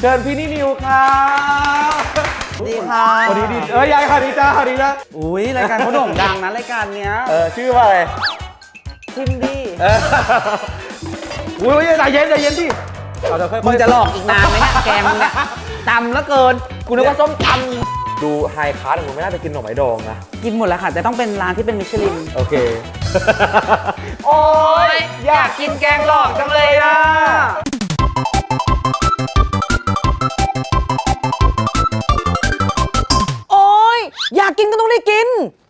เชิญพี่นิวครับดีค่ะสวัสดีดียายค่ะดีจ้าค่ะดีนะอุ้ยรายการเขาโด่งดังนะรายการเนี้ยชื่อว่าอะไรชิมดีอุ้ยใจเย็นที่เราจะค่อยๆมึงจะหลอกอีกนานไหมเนี่ยแกมึงเนี่ยตำแล้วเกินกูนึกว่าส้มตดูไฮคลาสผมไม่น่าจะกินหน่อไม้ดองนะำกินหมดแล้วค่ะแต่ต้องเป็นร้านที่เป็นมิชลินโอเคโอ้ยอยากกินแกงหลอกจังเลยอ่ะโอ้ยอยากกินก็ต้องได้กิน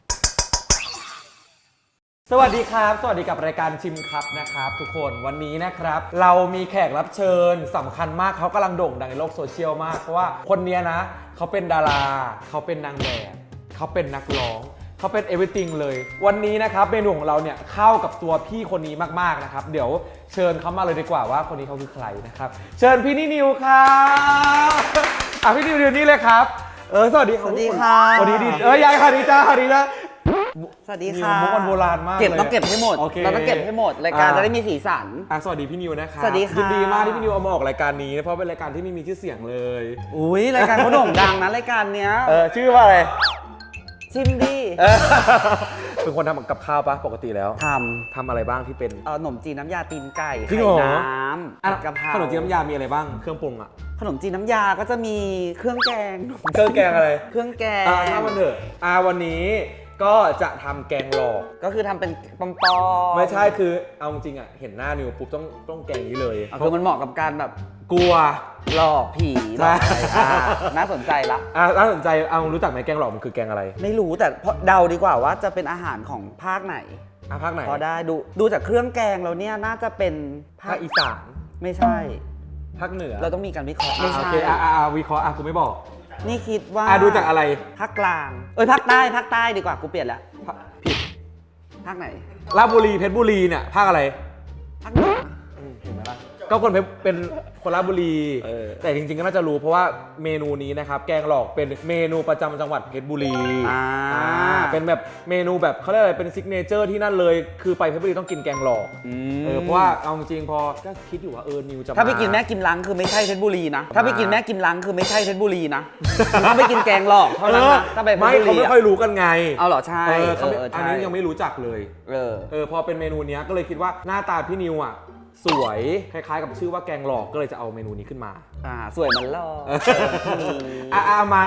สวัสดีครับ สวัสดีกับรายการชิมครับนะครับทุกคนวันนี้นะครับเรามีแขกรับเชิญสำคัญมากเขากำลังโด่งดังในโลกโซเชียลมากเพราะว่าคนนี้นะเขาเป็นดาราเขาเป็นนางแบบเขาเป็นนักร้องเขาเป็น everything เลยวันนี้นะครับเมนูของเราเนี่ยเข้ากับตัวพี่คนนี้มากๆนะครับเดี๋ยวเชิญเขามาเลยดีกว่าว่าคนนี้เขาคือใครนะครับเชิญพี่นิวครับพี่นิวเดี๋ยวนี้เลยครับสวัสดีครับสวัสดีค่ะสวัสดีดียายค่ะดีจ้าค่ะดีนะสวัสดีค่ะมุกมันโบราณมากเก็บเลยต้องเก็บให้หมดโอเคเราต้องเก็บให้หมดรายการจะได้มีสีสันสวัสดีพี่นิวนะครับสวัสดีค่ะยินดีมากที่พี่นิวเอามาออกรายการนี้เพราะเป็นรายการที่ไม่มีชื่อเสียงเลยอุ้ยรายการเขาโด่งดังนะรายการเนี้ยชื่อว่าอะไรชิมดีเป็นคนทำกับข้าวปะปกติแล้วททำอะไรบ้างที่เป็นำขนมจีนน้ำยาตีนไก่จริไข่งเหรอน้ำผัดกะเพราขนมจีนน้ำยามีอะไรบ้างเครื่องปรุงอะขนมจีนน้ำยาก็จะมีเครื่องแกงเครื่องแกงอะไรเครื่องแกงถ้าวันเถอะวันนี้ก็จะทำแกงหลอกก็คือทำเป็นปอมๆไม่ใช่คือเอาจริงๆอะเห็นหน้านิวปุ๊บต้องแกงนี้เลยคือมันเหมาะกับการแบบกลัวหลอกผีหลอกอะไรใช่น่าสนใจละน่าสนใจรู้จักไหมแกงหลอกมันคือแกงอะไรไม่รู้แต่เดาดีกว่าว่าจะเป็นอาหารของภาคไหนภาคไหนพอได้ดูจากเครื่องแกงแล้วเนี่ยน่าจะเป็นภาคอีสานไม่ใช่ภาคเหนือเราต้องมีการวิเคราะห์โอไม่ใช่เควิเคราะห์กูไม่บอกนี่คิดว่าดูจากอะไรภาคกลางภาคใต้ดีกว่ากูเปลี่ยนแล้วผิดภาคไหนราชบุรีเพชรบุรีเนี่ยภาคอะไรภาคเหนือเห็นไหมล่ะก็คนเพชรเป็นคนราชบุรี แต่จริงๆก็น่าจะรู้เพราะว่าเมนูนี้นะครับแกงหลอกเป็นเมนูประจำจังหวัดเพชรบุรีเป็นแบบเมนูแบบเขาเรียกอะไรเป็นซิกเนเจอร์ที่นั่นเลยคือไปเพชรบุรีต้องกินแกงหลอกเพราะว่าเอาจริงๆพอก็คิดอยู่ว่านิวจะถ้าไปกินแม่กิมลังคือไม่ใช่เพชรบุรีนะถ้าไปกินแม่กิมลังคือไม่ใช่เพชรบุรีนะต้องไปกินแกงหลอกเท่านั้นนะถ้าไปเพชรบุรีเขาไม่ค่อยรู้กันไงเอาเหรอใช่อันนี้ยังไม่รู้จักเลยพอเป็นเมนูนี้ก็เลยคิดว่าหน้าตาพี่นิวอ่ะสวยคล้ายๆกับชื่อว่าแกงหลอกก็เลยจะเอาเมนูนี้ขึ้นมาสวยมันหลอกมา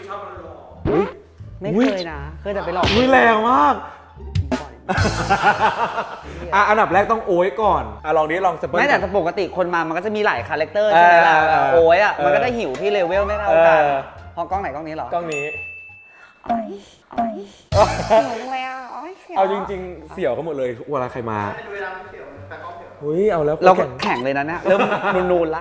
ไม่เคยนะเคยแต่ไปหลอกแรงมากอันดับแรกต้องโอ้ยก่อนลองดิลองสเปิลไม่แต่ปกติคนมามันก็จะมีหลายคาแรคเตอร์ใช่ไหมล่ะโอ้ยมันก็ได้หิวที่เลเวลไม่เท่ากันพอกล้องไหนกล้องนี้เหรอกล้องนี้หิวแล้วเอาจริงๆเสี่ยวก็หมดเลยเวลาใครมาเอาแล้วเราแข่งเลยนะเนี่ยเริ่มนูนๆละ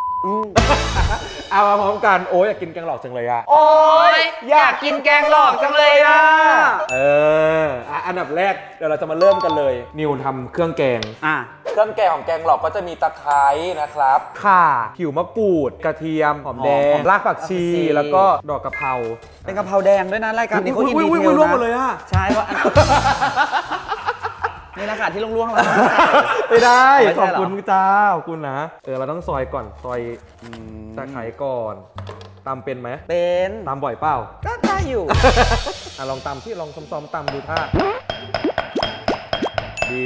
เอามาพร้อมกันโอ้ยอยากกินแกงหลอกจังเลยอะโอ้ยอยากกินแกงหลอกจังเลยอะอันดับแรกเดี๋ยวเราจะมาเริ่มกันเลยนิวทำเครื่องแกงเครื่องแกงของแกงหลอกก็จะมีตะไคร้นะครับข่าผิวมะกรูดกระเทียมหอมแดงรากผักชีแล้วก็ดอกกะเพราเป็นกะเพราแดงด้วยนะรายการนี้เขาอินดีเทลร่วงหมดนะเลยอะใช่เพราะนี่ราคาที่ล่วงๆแล้วไม่ได้ไม่ขใช่อบเหรอคุณจ้าขอบคุณนะเราต้องซอยก่อนซอยตะไคร้ก่อนตำเป็นไหมเป็นตำบ่อยเปล่าก็ได้อยู่ลองตำที่ลองซ้อมๆตำดูท่าดี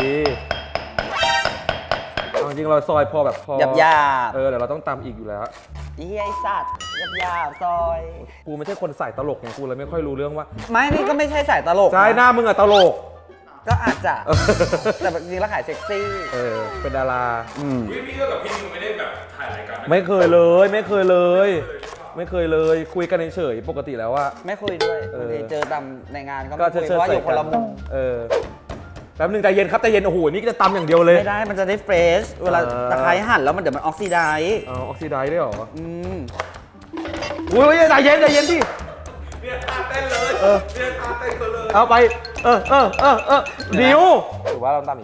เอาจริงเราซอยพอแบบพอหยาบเดี๋ยวเราต้องตำอีกอยู่แล้วๆอีไอสัตว์หยาบๆซอยกูไม่ใช่คนใส่ตลกไงกูเลยไม่ค่อยรู้เรื่องว่าไม่นี่ก็ไม่ใช่สายตลกใช่หน้ามึงอะตลกก็อาจจะ แต่จริงๆแล้วขายเซ็กซี่เป็นดาราพี่ก็กับพี่นิวไม่ได้แบบถ่ายรายการไม่เคยเลย ไม่เคยเลย คุยกันเฉยๆปกติแล้วว่าไม่คุยด้วยบางทีเจอตามในงานก็ก็ไม่คุยเชิเพญราะว่าใส่อยู่คนละมุมแป๊บนึงใจเย็นครับใจเย็นโอ้โหนี่ก็จะตำอย่างเดียวเลยไม่ได้มันจะได้เฟรชเวลาตะไคร้หั่นแล้วมันเดี๋ยวมันออกซิไดซ์ออกซิไดซ์ด้วยเหรอมอุ้ยใจเย็นที่เนี่ยท่าเต้นเลยเนี่ยท่าเต้นเลยเอาไปดิวถือว่าเราตำอย่างนี้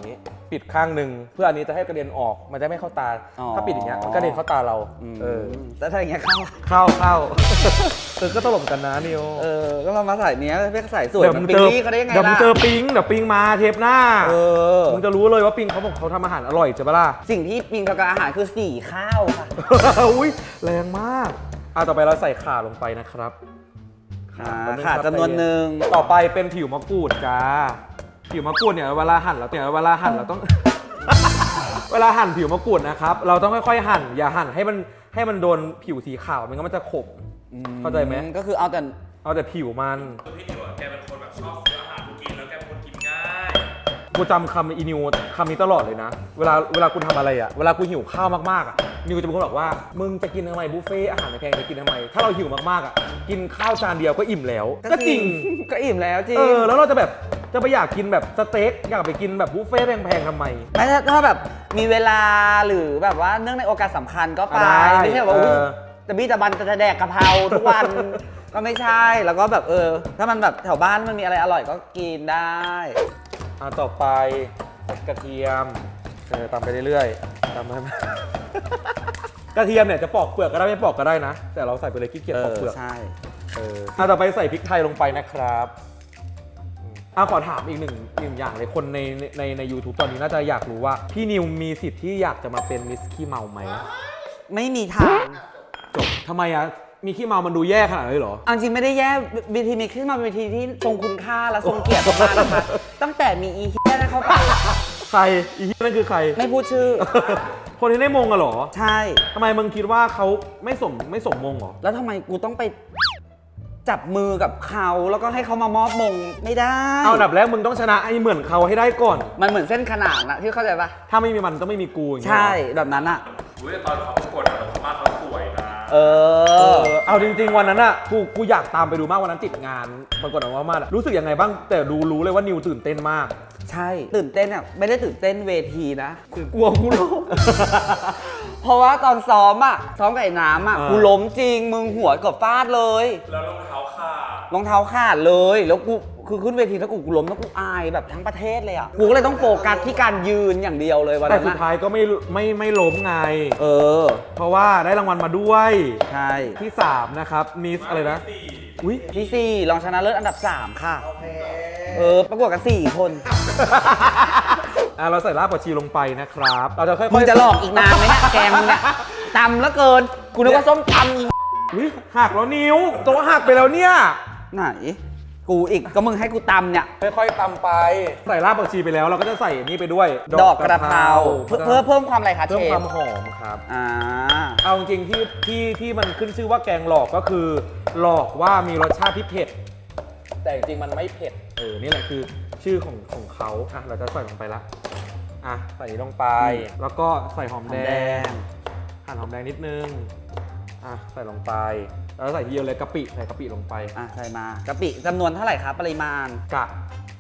ปิดข้างหนึ่งเพื่ออันนี้จะให้กระเด็นออกมันจะไม่เข้าตา ถ้าปิดอย่างเงี้ยมันกระเด็นเข้าตาเราเออแล้วถ้าอย่างเงี้ยเข้าเข้า ก็ตลกกันนะนิวก็เรามาใส่เนี้ยไม่ใส่สวยเหมือนปิงลี่เขาได้ยังไงเดี๋ยวมึงล่ะเจอปิงเดี๋ยวปิงมาเทปหน้ามึมึงจะรู้เลยว่าปิงเขาบอกเขาทำอาหารอร่อยใช่ปะล่ะสิ่งที่ปิงกับอาหารคือสีข้าวค่ะอุ้ยแรงมากต่อไปเราใส่ข่าลงไปนะครับขาจำนวนหนึ่งต่อไปเป็นผิวมะกรูดจ้าผิวมะกรูดเนี่ยเวลาหั่นเราต้อง เวลาหั่นผิวมะกรูดนะครับเราต้องค่อยๆหั่นอย่าหั่นให้มันโดนผิวสีขาวไม่งั้นมันจะขมเข้าใจไหมก็คือเอาแต่ผิวมันคือพี่นิวอะแกเป็นคนแบบชอบซื้ออาหารกินแล้วแกเป็นคนกินง่ายกูจำคำอีนิวคำนี้ตลอดเลยนะเวลากูทำอะไรเวลากูหิวข้าวมากๆนิวจะเป็นคนบอกว่ามึงจะกินทำไมบุฟเฟ่อาหารแพงจะกินทำไมถ้าเราหิวมากๆกินข้าวจานเดียวก็อิ่มแล้วก็จริงก็อิ่มแล้วจริงแล้วเราจะไปอยากกินแบบสเต็กอยากไปกินแบบบุฟเฟ่แพงๆทำไมไม่ถ้าแบบมีเวลาหรือแบบว่าเนื่องในโอกาสสำคัญก็ไปได้ไม่ใช่แบบว่าอุ๊ยแต่บี้ตะบันจะแดกกะเพราทุกวัน ก็ไม่ใช่แล้วก็แบบถ้ามันแบบแถวบ้านมันมีอะไรอร่อยก็กินได้ต่อไปกระเทียมตามไปเรื่อยๆตามไป กระเทียมเนี่ยจะปอกเปลือกก็ได้ไม่ปอกก็ได้นะ แต่เราใส่ไปเลยขี้เกียจปอกเปลือกใช่ต่อไปใส่พริกไทยลงไปนะครับขอถามอีกหนึ่งอย่างเลยคนใน YouTube ตอนนี้น่าจะอยากรู้ว่าพี่นิวมีสิทธิ์ที่อยากจะมาเป็นมิสขี้เมาไหมไม่มีทางจบทำไมมีขี้เมามันดูแย่ขนาดนั้นเลยเหรอเอาจริงไม่ได้แย่เวทีมีขึ้นมาเป็นเวทีที่ทรงคุณค่าและทรงเกียรติมากนะคะ ตั้งแต่มีอีเฮียนั่นเข้าไปใครอีที่นั่นคือใครไม่พูดชื่อคนที่ได้มงอะเหรอใช่ทำไมมึงคิดว่าเขาไม่สมมงเหรอแล้วทำไมกูต้องไปจับมือกับเขาแล้วก็ให้เขามามอบมงไม่ได้เอาอันดับแรกมึงต้องชนะไอ้เหมือนเขาให้ได้ก่อนมันเหมือนเส้นขนานนะที่เข้าใจปะถ้าไม่มีมันต้องไม่มีกูอย่างเงี้ยใช่แบบนั้นอะอุ้ยแต่ตอนเขาประกวดอะพม่าเขาสวยนะเอาจริงๆวันนั้นอะกูอยากตามไปดูมากวันนั้นติดงานปรากฏว่ามารู้สึกยังไงบ้างแต่รู้เลยว่านิวตื่นเต้นมากใช่ตื่นเต้นอะไม่ได้ตื่นเต้นเวทีนะกลัวกูล้ม เพราะว่าตอนซ้อมกับไอ้น้ำกูล้มจริงมึงหัวเกือบฟาดเลยแล้วรองเท้าขาดรองเท้าขาดเลยแล้วกูคือขึ้นเวทีแล้วกูล้มแล้วกูอายแบบทั้งประเทศเลยอ่ะกูก็เลยต้องโฟกัสที่การยืนอย่างเดียวเลยวันแต่นั้นสุดท้ายก็ไม่ล้มไงอเพราะว่าได้รางวัลมาด้วยใช่ที่ 3 นะครับมิสอะไรนะอุ้ยที่ 4รองชนะเลิศอันดับ 3 ค่ะประกวดกัน4 คนเราใส่รากผักชีลงไปนะครับเราจะค่อยๆมึงจะหลอกอีกนานไหมเนี่ยแกมึงเนี่ยตำแล้วเกินกูนึกว่าส้มตำอีอุ๊ยหักแล้วนิ้วตัวหักไปแล้วเนี่ยไหนกูอีกก็มึงให้กูตำเนี่ยค่อยๆตำไปใส่รากผักชีไปแล้วเราก็จะใส่นี่ไปด้วยดอกกระเพราเพิ่มความอะไรคะเชเพิ่มฟความหอมครับอ่าเอาจริงๆที่มันขึ้นชื่อว่าแกงหลอกก็คือ หลอกว่ามีรสชาติที่เผ็ด แต่จริงๆมันไม่เผ็ดนี่แหละคือชื่อของเขาเราจะใส่ลงไปละใส่นี้ลงไป แล้วก็ใส่หอมแดงหั่นหอมแดงนิดนึงใส่ลงไปแล้วใส่ทีเดียวเลยกะปิใส่กะปิลงไปใส่มากะปิจำนวนเท่าไหร่ครับปริมาณกะ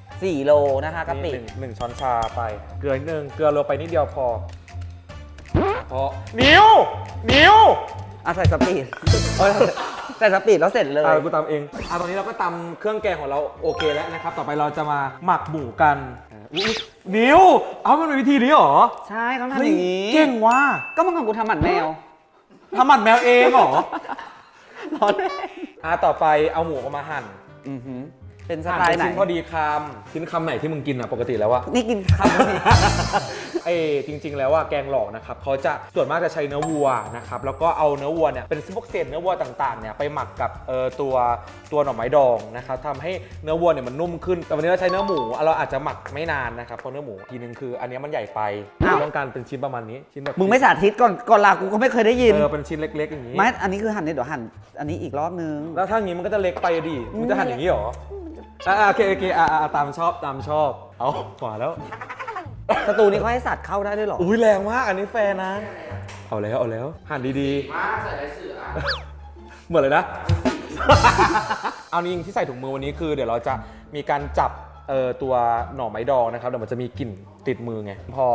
4 โลนะคะกะปิหนึ่งช้อนชาไปเกลือนิดนึงเกลือโรยไปนิดเดียวพอนิ้วใส่สปีดใส่สปีดแล้วเสร็จเลยกูตำเองตอนนี้เราก็ตำเครื่องแกงของเราโอเคแล้วนะครับต่อไปเราจะมาหมักหมูกันนิ้วมันเป็นวิธีนี้เหรอใช่เขาทำอย่างนี้เก่งว่ะก็เมื่อก่อนกูทำหมันแมวทำหมันแมวเองเหรอร้อนเลยต่อไปเอาหมูออกมาหั่นเป็นสหั่นไตเป็ล์นไหนชิ้นพอดีคำชิ้นคำไหนที่มึงกินปกติแล้วอะนี่กินคำนี้จริงๆแล้วแกงหลอกนะครับเขาจะส่วนมากจะใช้เนื้อวัวนะครับแล้วก็เอาเนื้อวัวเนี่ยเป็นพวกเศษเนื้อวัวต่างๆเนี่ยไปหมักกับตัวหน่อไม้ดองนะครับทำให้เนื้อวัวเนี่ยมันนุ่มขึ้นแต่วันนี้เราใช้เนื้อหมูเราอาจจะหมักไม่นานนะครับเพราะเนื้อหมูทีนึงคืออันนี้มันใหญ่ไปต้องการเป็นชิ้นประมาณนี้ชิ้นแบบมึงไม่สาธิตก่อนลากูก็ไม่เคยได้ยินเป็นชิ้นเล็กๆอย่างนี้ไม่อันนี้คือหั่นเนี่ยเดี๋ยวหั่นอันนี้อีกรอบนึงแล้วถ้างี้มันก็จะเล็กไปดิมึงจะหั่นอย่างนี้เหรอโอเคตามชอบเอาขวาแล้วสตูนี้เขาให้สัตว์เข้าได้ด้วยเหรออุ้ยแรงมากอันนี้แฟนนะเอาแล้วหั่นดีๆมาใส่ไรเสือเหมือนเลยนะ เอาจริงที่ใส่ถุงมือวันนี้คือเดี๋ยวเราจะมีการจับตัวหน่อไม้ดองนะครับเดี๋ยวมันจะมีกลิ่นติดมือไงพอ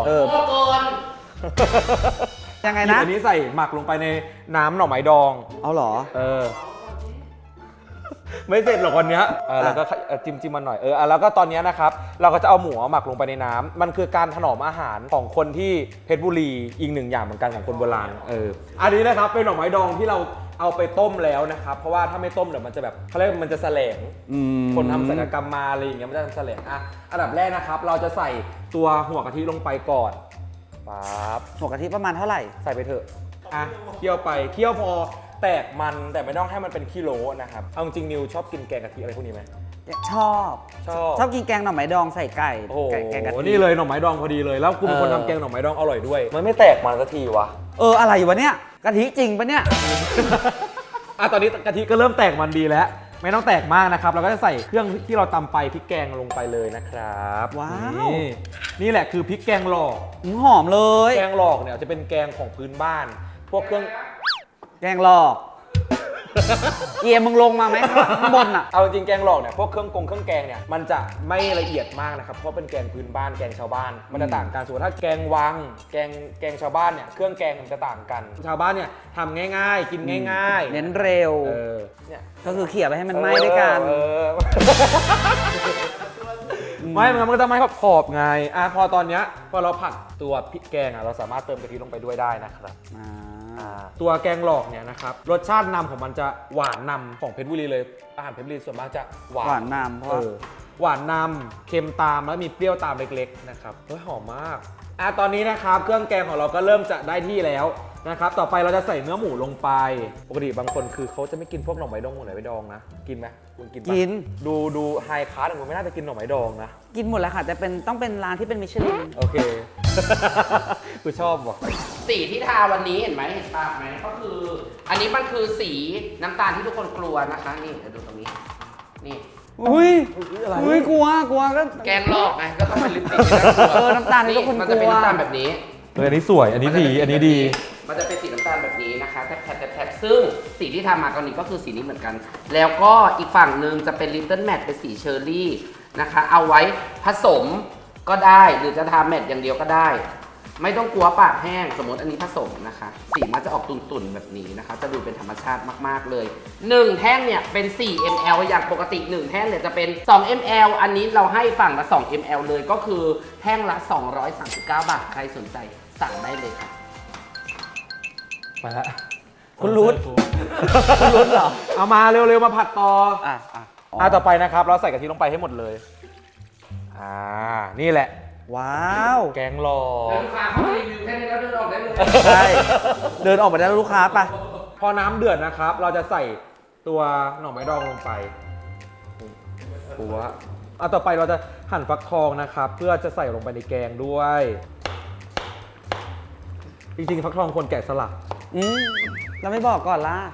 ยังไงนะอันนี้ใส่หมักลงไปในน้ำหน่อไม้ดองเอาเหรอไม่เสร็จหรอกวันเนี้ยเราก็จิ้มมันหน่อยแล้วก็ตอนเนี้ยนะครับเราก็จะเอาหมูหมักลงไปในน้ำมันคือการถนอมอาหารของคนที่เพชรบุรีอีกหนึ่งอย่างเหมือนกันของคนโบราณอันนี้นะครับเป็นหน่อไม้ดองที่เราเอาไปต้มแล้วนะครับเพราะว่าถ้าไม่ต้มเดี๋ยวมันจะแบบเขาเรียกมันจะแสลงคนทำศัลยกรรมมาอะไรอย่างเงี้ยมันจะแสลงอันดับแรกนะครับเราจะใส่ตัวหัวกะทิลงไปก่อนปั๊บหัวกะทิประมาณเท่าไหร่ใส่ไปเถอะเคี่ยวไปเคี่ยวพอแตกมันแต่ไม่ต้องให้มันเป็นกิโลนะครับเอาจริงนิวชอบกินแกงกะทิอะไรพวกนี้ไหมชอบกินแกงหน่อไม้ดองใส่ไก่โอ้โหแกงกะทินี่เลยหน่อไม้ดองพอดีเลยแล้วกูเป็นคนทำแกงหน่อไม้ดองอร่อยด้วยมันไม่แตกมันสักทีวะอะไรวะเนี่ยกะทิจริงปะเนี่ยตอนนี้กะทิก็เริ่มแตกมันดีแล้วไม่ต้องแตกมากนะครับเราก็จะใส่เครื่องที่เราตำไปพริกแกงลงไปเลยนะครับว้าวนี่แหละคือพริกแกงหลอกหอมเลยแกงหลอกเนี่ยจะเป็นแกงของพื้นบ้าน พวกเครื่องแกงหลอกเอียมึงลงมาไหมข้างบนอ่ะเอาจริงแกงหลอกเนี่ยพวกเครื่องแกงเนี่ยมันจะไม่ละเอียดมากนะครับเพราะเป็นแกงพื้นบ้านแกงชาวบ้านมันจะต่างกันส่วนถ้าแกงวังแกงชาวบ้านเนี่ยเครื่องแกงมันจะต่างกันชาวบ้านเนี่ยทำง่ายๆ กินง่ายๆเน้นเร็วเนี่ยก็คือเขี่ยไปให้มันไหม้ด้วยกันไม่มันก็จะไม่ขอบไงพอตอนเนี้ยพอเราผัดตัวพริกแกงเราสามารถเติมกะทิลงไปด้วยได้นะครับตัวแกงหลอกเนี่ยนะครับรสชาตินำของมันจะหวานนำของเพชรบุรีเลยอาหารเพชรบุรีส่วนมากจะหวานหวานนำเพราะหวานนำเค็มตามแล้วมีเปรี้ยวตามเล็กๆนะครับหอมมากตอนนี้นะครับเครื่องแกงของเราก็เริ่มจะได้ที่แล้วนะครับต่อไปเราจะใส่เนื้อหมูลงไปปกติบางคนคือเขาจะไม่กินพวกหน่อไม้ดองหมูไหนไม้ดองนะกินไหมคุณกินปะกินดูไฮคลาสมึงไม่น่าจะกินหน่อไม้ดองนะกินหมดแล้วค่ะแต่ต้องเป็นร้านที่เป็นมิชลินโอเค กูชอบว่ะสีที่ทาวันนี้เห็นไหมเห็นปากไหมก็คือ อันนี้มันคือสีน้ำตาลที่ทุกคนกลัวนะคะนี่เดี๋ยวดูตรงนี้นี่อุ้ยอะไรกลัวก็แกงลอกไงก็ต้องเป็นลิปสติกที่น่ากลัวน้ำตาลที่ทุกคนกลัวมันจะเป็นน้ำตาลแบบนี้อันนี้สวยอันนี้ดีอันนี้ดีมันจะเป็นสีน้ำตาลแบบนี้นะคะแทบซึ่งสีที่ทำมาตอนนี้ก็คือสีนี้เหมือนกัน แล้วก็อีกฝั่งหนึ่งจะเป็น Little Matte เป็นสีเชอร์รี่นะคะเอาไว้ผสมก็ได้หรือจะทาแมทอย่างเดียวก็ได้ ไม่ต้องกลัวปากแห้งสมมติอันนี้ผสมนะคะสีมันจะออกตุ่นๆแบบนี้นะคะจะดูเป็นธรรมชาติมากๆเลย1แท่งเนี่ยเป็น4 ml อย่างปกติ1แท่งเนี่ยจะเป็น2 ml อันนี้เราให้ฝั่งละ2 ml เลยก็คือแท่งละ239 บาทใครสนใจสั่งได้เลยค่ะไปละคุณรุ้เหรอเอามาเร็วๆมาผัดต่อ ต่อไปนะครับเราใส่กะทิลงไปให้หมดเลยนี่แหละว้าวแกงหลอแล้วกลูกค้าเขารีวิวแค่นี้แล้วเดินออกได้เลยใช่เดินออกไปได้แล้วลูกค้าไปพอน้ำเดือดนะครับ เราจะใส่ตัวหน่อไม้ดองลงไปหัวต่อไปเราจะหั่นฟักทองนะครับ เพื่อจะใส่ลงไปในแกงด้วย จริงๆฟักทองควรแกะสลักเราไม่บอกก่อนล่ะ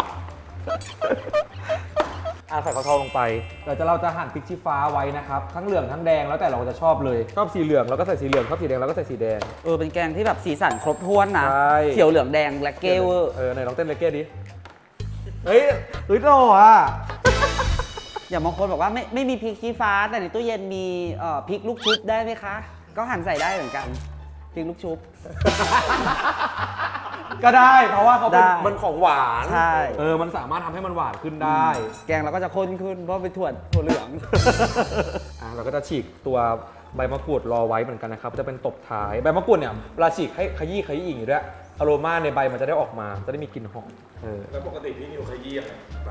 ใส่ฟักทองลงไปเราจะหั่นพริกชี้ฟ้าไว้นะครับ ทั้งเหลืองทั้งแดงแล้วแต่เราจะชอบเลยชอบสีเหลืองเราก็ใส่สีเหลืองชอบสีแดงเราก็ใส่สีแดงเป็นแกงที่แบบสีสันครบถ้วนนะใช่เขียวเหลืองแดงและเกลไหนลองเต้นเลเก้ดิเฮ้ยหล่ออ่ะอย่างบางคนบอกว่าไม่มีพริกชี้ฟ้า แต่ในตู้เย็นมีพริกลูกชุบได้ไหมคะ ก็หั่นใส่ได้เหมือนกันพริกลูกชุบก็ได้เพราะว่าเขาเป็นได้มันของหวานใช่มันสามารถทำให้มันหวานขึ้นได้แกงเราก็จะข้นขึ้นเพราะเป็นถั่วเหลืองเราก็จะฉีกตัวใบมะกรูดรอไว้เหมือนกันนะครับจะเป็นตบท้ายใบมะกรูดเนี่ยเวลาฉีกให้ขยี้อย่างนี้ด้วยอโรมาในใบมันจะได้ออกมาจะได้มีกลิ่นหอมแล้วปกติพี่นิวขยี้อะไรใบ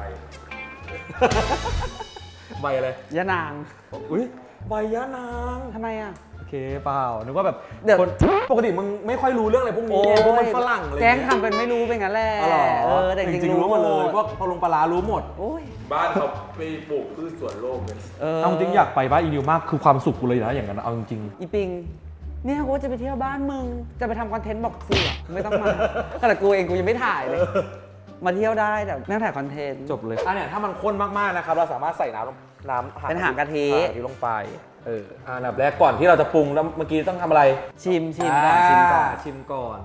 ใบอะไรยะนางอุ้ยใบยะนางทำไมอ่ะโอเคเปล่านึกว่าแบบเดี๋ยวคนปกติมึงไม่ค่อยรู้เรื่องอะไรพวกนี้ไงพวกมันฝรั่งอะไรแกเงี้งยทำเป็นไม่รู้เป็นงั้นแหละอ๋อเหรอแต่จจริริงงๆๆรู้หมดเลยพวกพอลงปลาร้ารู้หมดโอ้ยบ้านเขาไปปลูกพืชสวนโลกเลยเอาจริงอยากไปบ้านอีนิวมากคือความสุขกูเลยนะอย่างนั้นเอาจริงอีปิง เนี่ยกูจะไปเที่ยวบ้านมึง จะไปทำคอนเทนต์บอกเสือไม่ต้องมา แต่กูเองกูยังไม่ถ่ายเลย มาเที่ยวได้แต่ไม่ต้องถ่ายคอนเทนต์จบเลยเนี่ยถ้ามันข้นมากๆนะครับเราสามารถใส่น้ำเป็นหางกะทิลงไปอันดับแรกก่อนที่เราจะปรุงแล้วเมื่อกี้ต้องทำอะไรชิมก่อนชิมก่อนชิมก่อน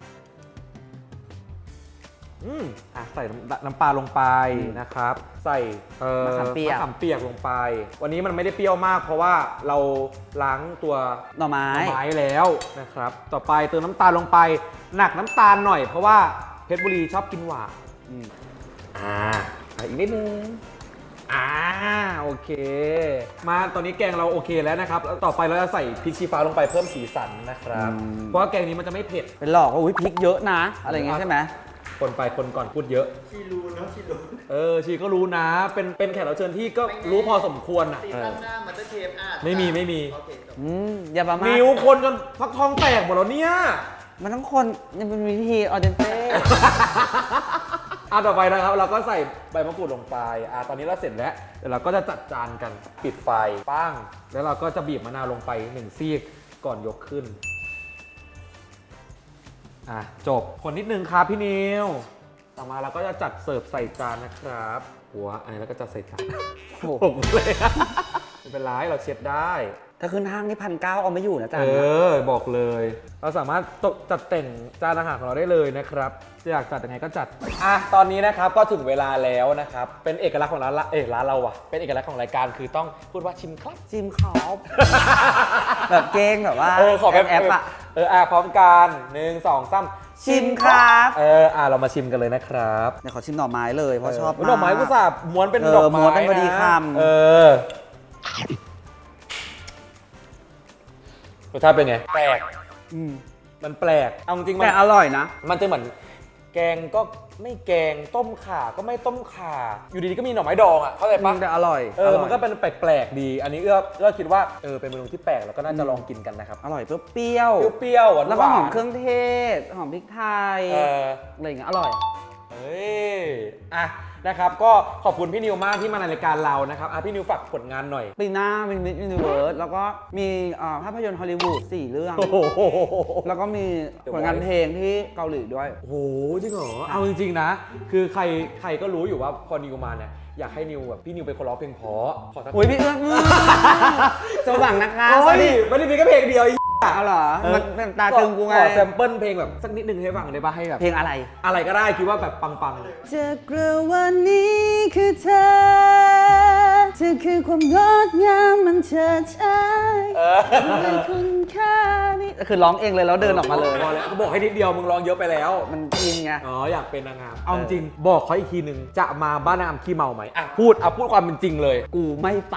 ใส่น้ำปลาลงไปนะครับ ใส่มะขามเปียกมะขามเปียกลงไป วันนี้มันไม่ได้เปรี้ยวมาก เพราะว่าเราล้างตัวหน่อไม้แล้วนะครับ ต่อไปเติมน้ำตาลลงไปหนักน้ำตาลหน่อยเพราะว่าเพชรบุรีชอบกินหวานอีกนิดนึงโอเค มาตอนนี้แกงเราโอเคแล้วนะครับแล้วต่อไปเราจะใส่พริกชี้ฟ้าลงไปเพิ่มสีสันนะครับ เพราะว่าแกงนี้มันจะไม่เผ็ดเป็นหลอกว่าอุ้ยพริกเยอะนะ อะไรอย่างงี้ใช่ไหมคนไปคนก่อนพูดเยอะชีรู้เนาะชีรู้ชีก็รู้นะ เป็นแขกรับเชิญที่ก็รู้พอสมควรอ่ะซีซั่นหน้ามันจะเทปอ่ะไม่มีโอเคจบอย่าประมาทนิ้วคนจนฟักทองแตกหมดแล้วเนี่ยมันต้องคนยังเป็นวิธีออเดนเต้ต่อไปนะครับเราก็ใส่ใบมะกรูดลงไปตอนนี้เราเสร็จแล้วเดี๋ยวเราก็จะจัดจานกันปิดไฟปั้งแล้วเราก็จะบีบมะนาวลงไป1ซีกก่อนยกขึ้นจบคนนิดนึงครับพี่นิวต่อมาเราก็จะจัดเสิร์ฟใส่จานนะครับหัวอันนี้เราก็จะใส่จานโอ้โหผมเลยไม่เป็นไรเราเช็ดได้ถ้าขึ้นห้างนี่1,900เอาไม่อยู่นะจ๊ะบอกเลย เราสามารถจัดแต่งจานอาหารของเราได้เลยนะครับจะอยากจัดยังไงก็จัดตอนนี้นะครับก็ถึงเวลาแล้วนะครับเป็นเอกลักษณ์ของร้านเราอ่ะเป็นเอกลักษณ์ของรายการคือต้องพูดว่าชิมครับจิมขอบ แบบเก้งแบบว่าขอแบบแอปอะพร้อมกัน1 2 3 ชิมครับเรามาชิมกันเลยนะครับเดี๋ยวขอชิมหน่อไม้เลยเพราะชอบมากดอกไม้กุหลาบม้วนเป็นดอกไม้ม้วนเป็นพอดีคำรสชาติเป็นไงแปลกอืมมันแปลกเอาจริงๆมัแต่นอร่อยนะมันจะเหมือนแกงก็ไม่แกงต้มข่าก็ไม่ต้มข่าอยู่ดีๆก็มีหน่อไม้ดองอ่ะเข้าใจปะแต่อร่อยมันก็เป็นแปลกๆดี อันนี้เอื้อคิดว่าเป็นเมนูที่แปลกแล้วก็น่าจะลองกินกันนะครับอร่อยเปรี้ยวเปรี้ยวๆหวานๆแล้วก็หอมเครื่องเทศ หอมพริกไทยเอออะไรอย่างเงี้ยอร่อยนะครับก็ขอบคุณพี่นิวมากที่มาในรายการเรานะครับพี่นิวฝากผลงานหน่อยปีหน้ามีมิสยูนิเวิร์สแล้วก็มีภาพยนตร์ฮอลลีวูด4 เรื่องโอ้โหแล้วก็มีผลงานเพลงที่เกาหลีด้วยโอ้โหจริงเหรอเอาจริงๆนะ คือใครก็รู้อยู่ว่าพอนิวมาเนี่ยอยากให้นิวแบบพี่นิวเป็นคนร้องเพลงเพราะขอสักโอ้ยพี่เอื้อสว่างนะคะโอ้ยไม่ได้มีแค่เพลงเดียวเอาเหรอมันเป็นตาตึงกูไงขอแซมเปิลเพลงแบบสักนิดนึงให้ฟังได้ป่ะให้แบบเพลงอะไรอะไรก็ได้คิดว่าแบบปังจากกระวันนี้คือเธอคือความงดงามมันเฉิดฉายคือคุณค่านี่คือร้องเองเลยแล้วเดินออกมาเลยพอแล้วก็บอกให้นิดเดียวมึงร้องเยอะไปแล้วมันอินไงอยากเป็นนางงามเอาจริงบอกเขาอีกทีนึงจะมาบ้านนางงามขี้เมาไหมพูดความเป็นจริงเลยกูไม่ไป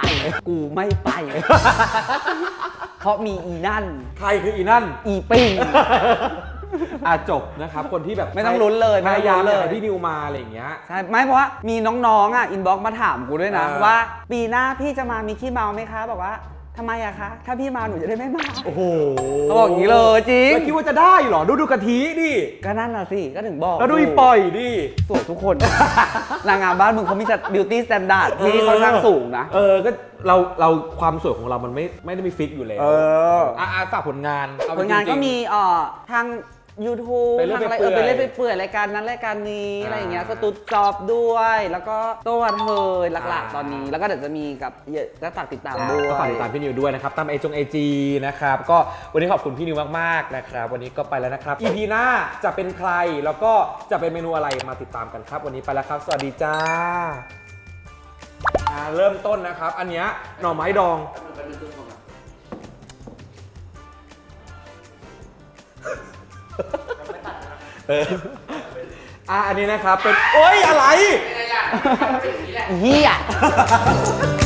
เพราะมีอีนั่นใครคืออีนั่นอีปิ้งจบนะครับคนที่แบบไม่ต้องลุ้นเลยพยายามไม่ต้องลุ้นเลยให้พี่นิวมาอะไรอย่างเงี้ยใช่ไม่เพราะว่ามีน้องๆอินบ็อกมาถามกูด้วยนะเออว่าปีหน้าพี่จะมามีขี้เมาไหมคะบอกว่าทำไมอะคะถ้าพี่มาหนูจะได้ไม่มาโอ้โหเขาบอกอย่างนี้เลยจริงแล้วคิดว่าจะได้เหรอดูกะทิดิก็นั่นน่ะสิก็ถึงบอกแล้วดูอีปล่อยดิสวยทุกคน นางงามบ้านมึงเขามีบิวตี้สแตนดาร์ดที่ค่อนข้างสูงนะก็เราความสวยของเรามันไม่ได้มีฟิกอยู่แล้วฝากผลงานเอผลงานจริก็ๆมีทาง YouTube ไปเรื่อยทางอะไรไปเปื่อยไปเรื่อยไปเปื่อยรายการนั้นรายการนี้อะไรอย่างเงี้ยสตูดจอบด้วย แล้วก็ตัวเธอหลักๆตอนนี้ แล้วก็เดี๋ยวจะมีกับก็ฝากติดตามด้วยก็ฝากติดตามพี่นิวด้วยนะครับตามไอจีนะครับก็วันนี้ขอบคุณพี่นิวมากๆนะครับวันนี้ก็ไปแล้วนะครับ EP หน้าจะเป็นใครแล้วก็จะเป็นเมนูอะไรมาติดตามกันครับ วันนี้ไปแล้วครับสวัสดีจ้าเริ่มต้นนะครับ อันเนี้ยหน่อไม้ดองอันนี้นะครับเป็นโอ๊ยอะไรเป็นไงล่ะเป็นอย่างนี้แหละเฮีย